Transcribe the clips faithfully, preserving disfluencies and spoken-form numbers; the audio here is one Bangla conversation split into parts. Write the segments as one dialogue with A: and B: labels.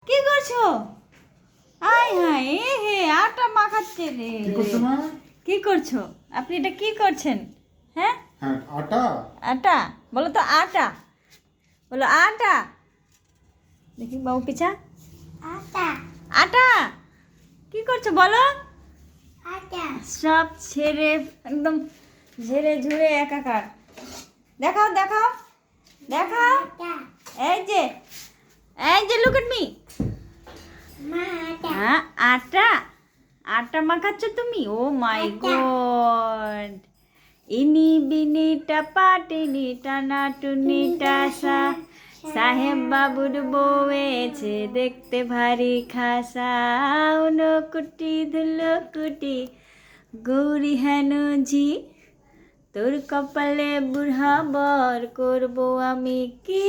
A: কি করছো? আয় হায় এ হে আটা মাখাচ্ছে রে।
B: কি করছো মা?
A: কি করছো আপনি? এটা কি করছেন? হ্যাঁ
B: হ্যাঁ আটা।
A: আটা বলো তো, আটা বলো, আটা। দেখি বাবু পিছা।
C: আটা
A: আটা কি করছো বলো?
C: আটা
A: সব ছেড়ে একদম ঝেড়ে ঝুড়ে একাকার। দেখাও দেখাও দেখাও।
C: আটা
A: এই যে এই যে লুক এট মি।
C: মা আটা
A: হ্যাঁ আটা আটা মাখাচ্ছ তুমি? Oh my god. ইনি বিনি টাপা টিনি টানা টুনি টাসা, সাহেব বাবুর বউয়েছে দেখতে ভারী খাসা, উনো কুটি ধুলো কুটি গৌরী হেন ঝি, তোর কপালে বুড়া বর করবো আমি কি।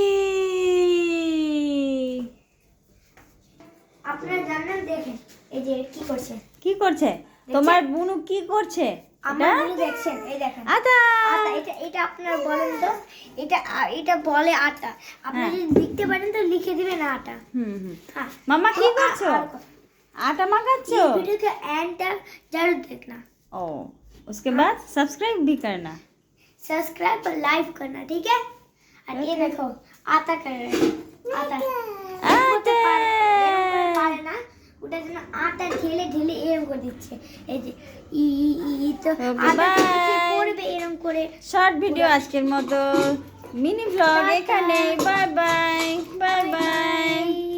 C: আপনারা জানেন, দেখেন এই যে কি করছে
A: কি করছে তোমার বুনু? কি করছে
C: আমার
A: এটা?
C: গুলো দেখছেন, এই দেখেন
A: আটা
C: আটা। এটা এটা আপনারা বলেন তো, এটা আ- এটা বলে আটা। আপনি
A: হ্যাঁ।
C: যদি লিখতে পারেন তো লিখে দিবেন আটা।
A: হুম হুম।
C: হ্যাঁ
A: মামা কি
C: তো আ-
A: করছো?
C: আর কথা।
A: आटा मगाচ্ছো?
C: इस वीडियो का एंड तक जरूर देखना,
A: ओ उसके बाद सब्सक्राइब भी करना।
C: सब्सक्राइब और लाइक करना, ठीक है। और ये देखो आटा कर रहे हैं, आटा
A: आटा
C: এরকম করে পারে না, ওটার জন্য আটা ঢেলে ঢেলে এরকম করে দিচ্ছে। এই যে ই ই ই ই তো
A: Okay,
C: আটা দিচ্ছে,
A: bye.
C: পড়বে এরকম করে।
A: শর্ট ভিডিও আজকের মতো, মিনি ব্লগ এখানে। Bye bye bye by.